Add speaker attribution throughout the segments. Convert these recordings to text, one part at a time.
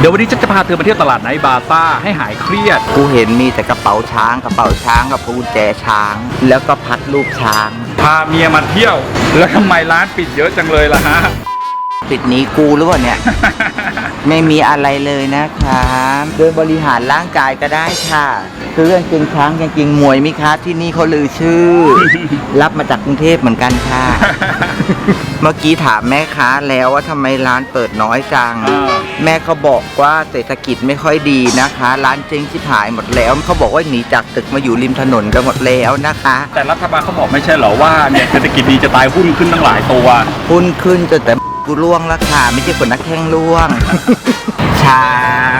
Speaker 1: ดี๋ยววันนี้ฉันจะพาเธอไปเที่ยวตลาดไนท์บาซ่าให้หายเครียด
Speaker 2: กูเห็นมีแต่กระเป๋าช้างกับกุญแจช้าง แล้วก็พัดรูปช้าง
Speaker 1: พาเมียมาเที่ยวแล้วทำไมร้านปิดเยอะจังเลยล่ะฮะ
Speaker 2: ปิดหนีกูหรือเปล่าเนี่ย ไม่มีอะไรเลยนะคะเดินบริหารร่างกายก็ได้ค่ะซื้อกางเกงช้างกางเกงมวยไหมคะที่นี่เขาลือชื่อ รับมาจากกรุงเทพเหมือนกันค่ะ เมื่อกี้ถามแม่ค้าแล้วว่าทำไมร้านเปิดน้อยจัง แม่เขาบอกว่าเศรษฐกิจไม่ค่อยดีนะคะ ร้านเจ๊งชิบหายหมดแล้วเขาบอกว่าหนีจากตึกมาอยู่ริมถนนกันหมดแล้วนะคะ
Speaker 1: แต่รัฐบาลเขาบอกไม่ใช่เหรอว่าเนี่ยเศรษฐกิจดีจะตายหุ้นขึ้นตั้งหลายตัว
Speaker 2: หุ้นขึ้นจนแต่กูล่วงแล้วค่ะไม่ใช่คนนักแข่งล่วง ช้าง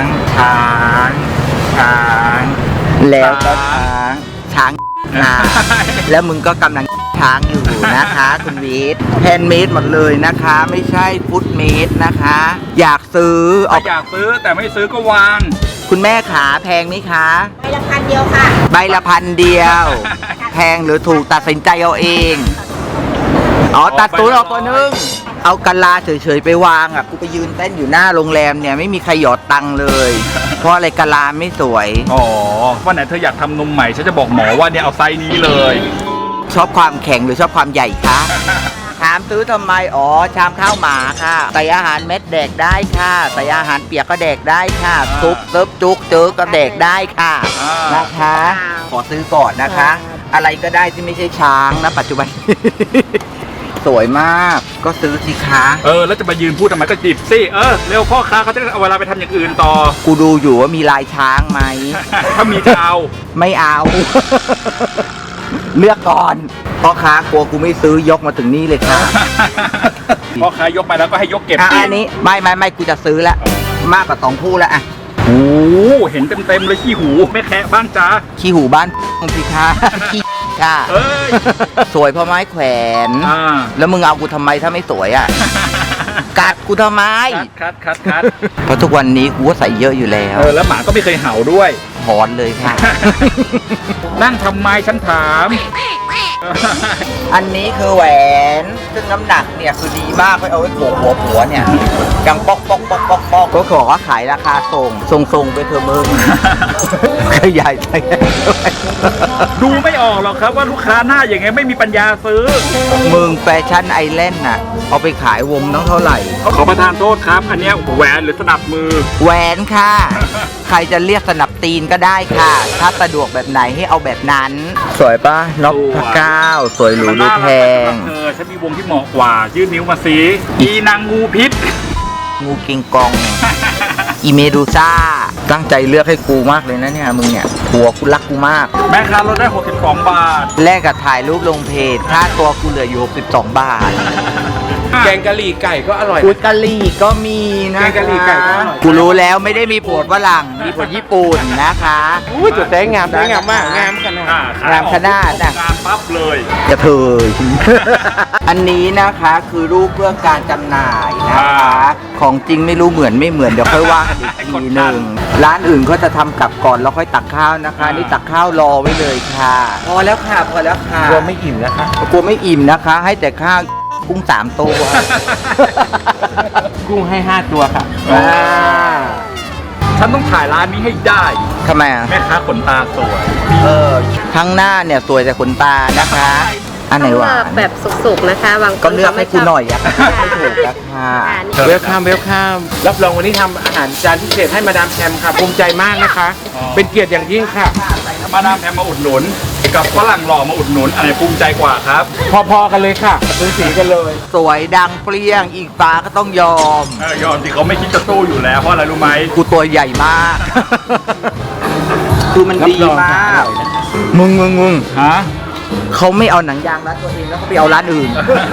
Speaker 2: แล้วก็ช้างแล้วมึงก็กำลังช้างอยู่นะคะ คุณวีทแฮนด์เมดหมดเลยนะคะ ไม่ใช่ฟุตเมดนะคะ อยากซื้อ
Speaker 1: อยากซื้อแต่ไม่ซื้อก็วาง
Speaker 2: คุณแม่ขาแพงไหมคะ
Speaker 3: ใบละ1,000 เดียวค่ะ
Speaker 2: ใบละ1,000 เดียว แพงหรือถูกตัดสินใจเอาเองตัดตูนออกตัวนึงเอากะลาเฉยๆไปวางอ่ะกูไปยืนเต้นอยู่หน้าโรงแรมเนี่ยไม่มีใครหยอดตังค์เลย เพราะอะไรกะลาไม่สวย
Speaker 1: วันไหนเธออยากทำนมใหม่ฉันจะบอกหมอว่าเนี่ยเอาไซส์นี้เลย
Speaker 2: ชอบความแข็งหรือชอบความใหญ่คะ ถามซื้อทำไมชามข้าวหมาค่ะใส่อาหารเม็ดแดกได้ค่ะใส่อาหารเปียกก็แดกได้ค่ะซุปเติบจุกเจอก็แดกได้ค่ะนะคะ ขอซื้อก่อนนะคะ อะไรก็ได้ที่ไม่ใช่ช้างนะปัจจุบัน สวยมากก็ซื้อสิคะ
Speaker 1: แล้วจะมายืนพูดทำไมก็จีบสิเร็วพ่อค้าเขาจะเอาเวลาไปทำอย่างอื่นต่อ
Speaker 2: กูดูอยู่ว่ามีลายช้างไหม
Speaker 1: ถ้ามีจะเอา
Speaker 2: ไม่เอา เลือกก่อนพ่อค้ากลัวกูไม่ซื้อยกมาถึงนี่เลยค่ะ
Speaker 1: พ่อค้ายกไปแล้วก็ให้ยกเก็บ
Speaker 2: อันนี้ไม่กูจะซื้อแล้วมากกว่า2 คู่แล้วอ่ะ
Speaker 1: โอ้เห็นเต็มเลยขี้หูไม่แคะบ้างจ้า
Speaker 2: ขี้หูบ้านสิคะขี้ค่ะสวยเพราะไม้แขวนแล้วมึงเอากูทำไมถ้าไม่สวยอ่ะ กัดกูทำไม
Speaker 1: คัด
Speaker 2: เพราะทุกวันนี้กูก็ใส่เยอะอยู่แล้ว
Speaker 1: แล้วหมาก็ไม่เคยเห่าด้วย
Speaker 2: หอนเลยค่ะ
Speaker 1: นั่งทำไมฉันถาม
Speaker 2: อันนี้คือแหวนซึ่งน้ำหนักเนี่ยคือดีมากไปเอาไว้โขกหัวผัวเนี่ยกังป๊อกก็ขอว่าขายราคาส่งไปเถอะมึงขยายไป
Speaker 1: ดูไม่ออกหรอกครับว่าลูกค้าหน้าอย่างไงไม่มีปัญญาซื้อ
Speaker 2: มึงแฟชั่นไอแลนด์น่ะเอาไปขายวงต้องเท่าไหร่
Speaker 1: ขอประทานโทษครับอันนี้แหวนหรือสนับมือ
Speaker 2: แหวนค่ะใครจะเรียกสนับตีนก็ได้ค่ะถ้าสะดวกแบบไหนให้เอาแบบนั้นสวยปะนกพระเก้าสวยหรูดูแพง
Speaker 1: ฉันมีวงที่เหมาะกว่ายื่นนิ้วมาสิอีนางงูพิษ
Speaker 2: งูกิงกองอีเมดูซ่าตั้งใจเลือกให้กูมากเลยนะเนี่ยมึงเนี่ยผัวกูรักกูมาก
Speaker 1: แม่ค้าลดได้62 บาท
Speaker 2: แลกกับถ่ายรูปลงเพจค่าตัวกูเหลืออยู่62 บาท
Speaker 1: แกงกะหรี่ไก่ก็อร่อย
Speaker 2: กะหรี่ก็มีนะ
Speaker 1: แกงกะหรี่ไก่ก็อร่อย
Speaker 2: กูรู้แล้วไม่ได้มีผัวฝรั่งมีผัวญี่ปุ่นนะคะ
Speaker 1: จุดแดงงามมากงามขนาด
Speaker 2: งามขนาด
Speaker 1: งามปั๊บเลย
Speaker 2: จะเถยอันนี้นะคะคือรูปเพื่อการจำหน่ายนะคะของจริงไม่รู้เหมือนไม่เหมือนเดี๋ยวค่อยว่ากันอีกทีหนึ่งร้านอื่นเขาจะทำกลับก่อนแล้วค่อยตักข้าวนะคะนี่ตักข้าวรอไว้เลยค่ะพอแล้วค่ะ
Speaker 1: กลัวไม่อิ่มนะคะ
Speaker 2: กลัวไม่อิ่มนะคะให้แต่ข้าวกุ้ง3 ตัว
Speaker 1: กุ้งให้5 ตัวค่ะฉันต้องถ่ายร้านนี้ให้ได้
Speaker 2: ทำไมอ่ะ
Speaker 1: แม่ค้าขนตาสวย
Speaker 2: ทั้งหน้าเนี่ยสวยแต่ขนตานะคะอันไหนวะ
Speaker 3: แบบสุกๆนะคะบางคน
Speaker 2: ก็เลือกให้กูหน่อยอ่ะไม่ถูกนะคะ
Speaker 1: เวลคัมรับรองวันนี้ทำอาหารจานพิเศษให้มาดามแพมค่ะภูมิใจมากนะคะเป็นเกียรติอย่างยิ่งค่ะมาดามแพมมาอุดหนุนกับฝรั่งหล่อมาอุดหนุนอะไรภูมิใจกว่าครับพอๆกันเลยค่ะซื้อสีกันเลย
Speaker 2: สวยดังเปรี้ยงอีกฟ้าก็ต้องยอม
Speaker 1: สิเขาไม่คิดจะสู้อยู่แล้วเพราะอะไรรู้ไหม
Speaker 2: กูตัวใหญ่มากคือมันดีมากมึง
Speaker 1: ฮะ
Speaker 2: เขาไม่เอาหนังยางร้านตัวเองแล้วเขาไปเอาร้านอื่น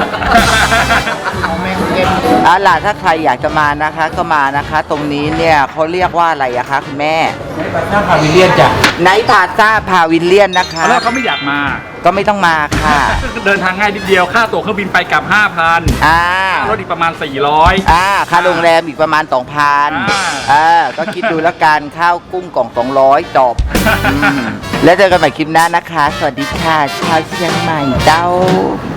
Speaker 2: ล่ะถ้าใครอยากจะมานะคะก็มานะคะตรงนี้เนี่ยเขาเรียกว่าอะไรอะคะคุณแม่
Speaker 1: ไนท์พาวิลเลียนจ้ะ
Speaker 2: ไนท์พาซ่าพาวิลเลียนนะคะ
Speaker 1: แล้วเขาไม่อยากมา
Speaker 2: ก็ไม่ต้องมาค่ะ
Speaker 1: เดินทางง่ายนิดเดียวค่าตั๋วเครื่องบินไปกลับ 5,000รถอีกประมาณ400
Speaker 2: ค่าโรงแรมอีกประมาณ 2,000ก็คิดดูแล้วกันข้าวกุ้งกล่อง200จบแล้วเจอกันใหม่คลิปหน้านะคะสวัสดีค่ะชาวเชียงใหม่เจ้า